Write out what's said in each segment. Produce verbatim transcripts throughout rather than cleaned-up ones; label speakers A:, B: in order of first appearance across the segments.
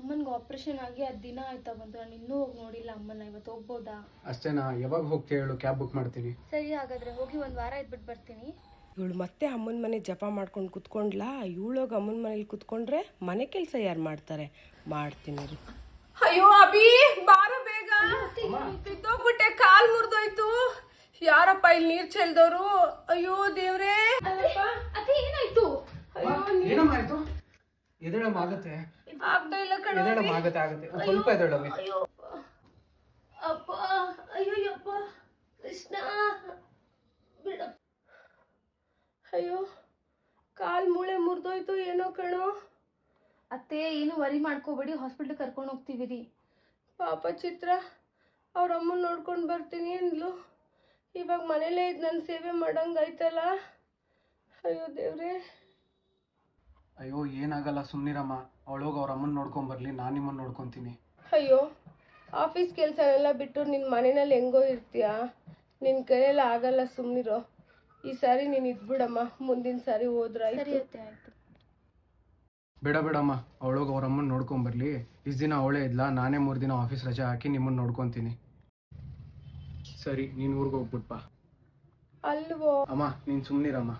A: ಅಮ್ಮನಿಗೆ ಆಪರೇಷನ್ ಆಗಿ ಹತ್ತು ದಿನ ಆಯ್ತಾ ಬಂತು. ನಾನು ಇನ್ನೂ ಹೋಗಿ ನೋಡಿಲ್ಲ ಅಮ್ಮನ. ಇವತ್ತು ಹೋಗ್ಬೋದಾ?
B: ಅಷ್ಟೇನಾ? ಯಾವಾಗ ಹೋಗ್ತೀಯ ಹೇಳು, ಕ್ಯಾಬ್ ಬುಕ್ ಮಾಡ್ತೀನಿ.
A: ಸರಿ, ಹಾಗಾದ್ರೆ ಹೋಗಿ ಒಂದು ವಾರ ಇದ್ಬಿಟ್ಟು ಬರ್ತೀನಿ.
C: ಇವಳು ಮತ್ತೆ ಅಮ್ಮನ ಮನೆ ಜಪ ಮಾಡ್ಕೊಂಡು ಕುತ್ಕೊಂಡ್ಲಾ. ಇವಳೋಗಿ ಅಮ್ಮನ ಮನೇಲಿ ಕುತ್ಕೊಂಡ್ರೆ ಮನೆ ಕೆಲಸ ಯಾರು ಮಾಡ್ತಾರೆ? ಮಾಡ್ತೀನಿ ರೀ. ಅಯ್ಯೋ ಅಭಿ, ಬಾರ ಬೇಗ. ಬಿದ್ದೋಗ್ಬಿಟ್ಟೆ, ಕಾಲ್ ಮುರಿದೋಯ್ತು. ಯಾರಪ್ಪ ಇಲ್ಲಿ ನೀರ್ ಚೆಲ್ದವ್ರು? ಅಯ್ಯೋ ದೇವ್ರೇ.
A: ಏನಾಯ್ತು?
B: ಏನಮ್ಮ ಆಯ್ತು? ಎದಳಮ್ಮ ಆಗತ್ತೆ?
C: ಆಗ್ತಾ ಇಲ್ಲ ಕಣ.
B: ಎದಳಮ್ಮ ಆಗತ್ತೆ ಆಗತ್ತೆ ಸ್ವಲ್ಪ ಎದಳಮ್ಮಿ.
A: ಅಪ್ಪ, ಅಯ್ಯೋಯ್ಯಪ್ಪ ಕೃಷ್ಣ ಬಿಡ.
C: ಅಯ್ಯೋ, ಕಾಲ್ ಮೂಳೆ ಮುರಿದೋಯ್ತು ಏನೋ ಕಣೋ.
A: ಅತ್ತೆ, ಏನು ವರಿ ಮಾಡ್ಕೋಬೇಡಿ, ಹಾಸ್ಪಿಟ್ಲ್ ಕರ್ಕೊಂಡು ಹೋಗ್ತೀವಿ ರೀ.
C: ಪಾಪ ಚಿತ್ರ ಅವ್ರ ಅಮ್ಮನ ನೋಡ್ಕೊಂಡು ಬರ್ತೀನಿ ಅಂದ್ಲು. ಇವಾಗ ಮನೇಲೇ ಇದ್ದು ನನ್ನ ಸೇವೆ ಮಾಡಂಗಾಯ್ತಲ್ಲ. ಅಯ್ಯೋ ದೇವ್ರೇ.
B: ಅಯ್ಯೋ ಏನಾಗಲ್ಲ, ಸುಮ್ನಿರಮ್ಮ. ಅವಳೋಗಿ ಅವ್ರ ಅಮ್ಮನ ನೋಡ್ಕೊಂಡ್ ಬರ್ಲಿ, ನಾನು ನಿಮ್ಮನ್ನ ನೋಡ್ಕೊಂತೀನಿ.
C: ಅಯ್ಯೋ, ಆಫೀಸ್ ಕೆಲಸನೆಲ್ಲ ಬಿಟ್ಟು ನಿನ್ನ ಮನೆಯಲ್ಲಿ ಹೆಂಗೋ ಇರ್ತೀಯ, ನಿನ್ನ ಕೈಯೆಲ್ಲ ಆಗಲ್ಲ, ಸುಮ್ಮನಿರೋ. ಈ ಸಾರಿ ನೀನು ಇದ್ಬಿಡಮ್ಮ, ಮುಂದಿನ ಸಾರಿ ಹೋದ್ರ
A: ಸರಿ ಅತ್ತೆ, ಆಯ್ತು.
B: ಬೇಡ ಬೇಡಮ್ಮ, ಅವಳೋಗಿ ಅವ್ರ ಅಮ್ಮನ ನೋಡ್ಕೊಂಡ್ ಬರ್ಲಿ. ಇಷ್ಟು ದಿನ ಅವಳೇ ಇದ್ಲಾ, ನಾನೇ ಮೂರು ದಿನ ಆಫೀಸ್ ರಜೆ ಹಾಕಿ ನಿಮ್ಮನ್ನ ನೋಡ್ಕೊಂತೀನಿ. ಸರಿ, ನೀನು ಊರಿಗೆ ಹೋಗ್ಬಿಟ್ಪಾ.
C: ಅಲ್ವೋ
B: ಅಮ್ಮ, ನೀನು ಸುಮ್ನಿರಮ್ಮ.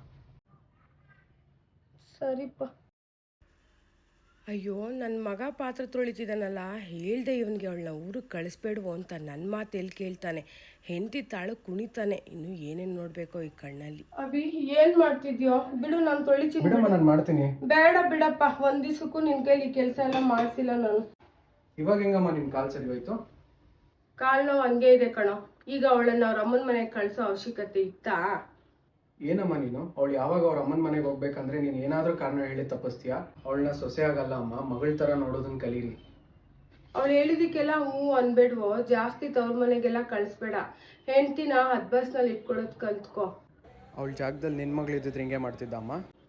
C: ಸರಿಪ್ಪ. ಅಯ್ಯೋ, ನನ್ನ ಮಗ ಪಾತ್ರ ತೊಳಿತಿದ್ದಾನಲ್ಲ, ಹೇಳ್ದೆ ಇವನಿಗೆ ಅವಳನ್ನ ಊರಿಗೆ ಕಳಿಸ್ಬೇಡ್ವೋ ಅಂತ. ನನ್ನ ಮಾತು ಎಲ್ಲಿ ಕೇಳ್ತಾನೆ? ಹೆಂಡತಿ ತಾಳು ಕುಣಿತಾನೆ. ಇನ್ನು ಏನೇನು ನೋಡ್ಬೇಕೋ ಈ ಕಣ್ಣಲ್ಲಿ. ಅಭಿ, ಏನ್ ಮಾಡ್ತಿದ್ಯೋ? ಬಿಡು, ನಾನು ತೊಳಿತೀನಿ.
B: ಬಿಡಮ್ಮ, ನಾನು ಮಾಡ್ತೀನಿ.
C: ಬೇಡ ಬಿಡಪ್ಪ, ಒಂದ್ ದಿವ್ಸಕ್ಕೂ ನಿನ್ ಕೈಲಿ ಕೆಲಸ ಎಲ್ಲ ಮಾಡ್ಸಿಲ್ಲ ನಾನು.
B: ಇವಾಗ ಹೆಂಗಮ್ಮ ನಿನ್ ಕಾಲ್ ಸರಿ ಹೋಯ್ತು?
C: ಕಾಲ್ ನೋವು ಹಂಗೆ ಇದೆ ಕಣೋ. ಈಗ ಅವಳನ್ನ ಅವ್ರ ಅಮ್ಮನ ಮನೆಗೆ ಕಳ್ಸೋ ಅವಶ್ಯಕತೆ ಇತ್ತಾ?
B: ಏನಮ್ಮ ನೀನು? ಅವಳು ಯಾವಾಗ ಅವ್ರ ಅಮ್ಮನ ಮನೆಗೆ ಹೋಗ್ಬೇಕಂದ್ರೆ ನೀನು ಏನಾದ್ರೂ ಕಾರಣ ಹೇಳಿ ತಪ್ಪಿಸ್ತೀಯಾ? ಅವಳನ್ನ ಸೊಸೆ ಆಗಲ್ಲ ಅಮ್ಮ, ಮಗಳ ತರ ನೋಡೋದನ್ನ ಕಲೀರಿ.
C: ಅವಳು ಹೇಳಿದಕ್ಕೆಲ್ಲ ಹ್ಞೂ ಅನ್ಬೇಡ್ವೋ. ಜಾಸ್ತಿ ತವ್ರ ಮನೆಗೆಲ್ಲ ಕಳಿಸ್ಬೇಡ. ಹೆಂಡ್ತಿನ ಹದ್ ಬಸ್ನಲ್ಲಿ ಇಟ್ಕೊಳೋದ್ ಕಲ್ತ್ಕೋ.
B: ಅವಳ ಜಾಗದಲ್ಲಿ ನಿನ್ ಮಗಳು ಇದ್ದಿದ್ರೆ ಹಿಂಗೆ ಮಾಡ್ತಿದ್ದ ಅಮ್ಮ?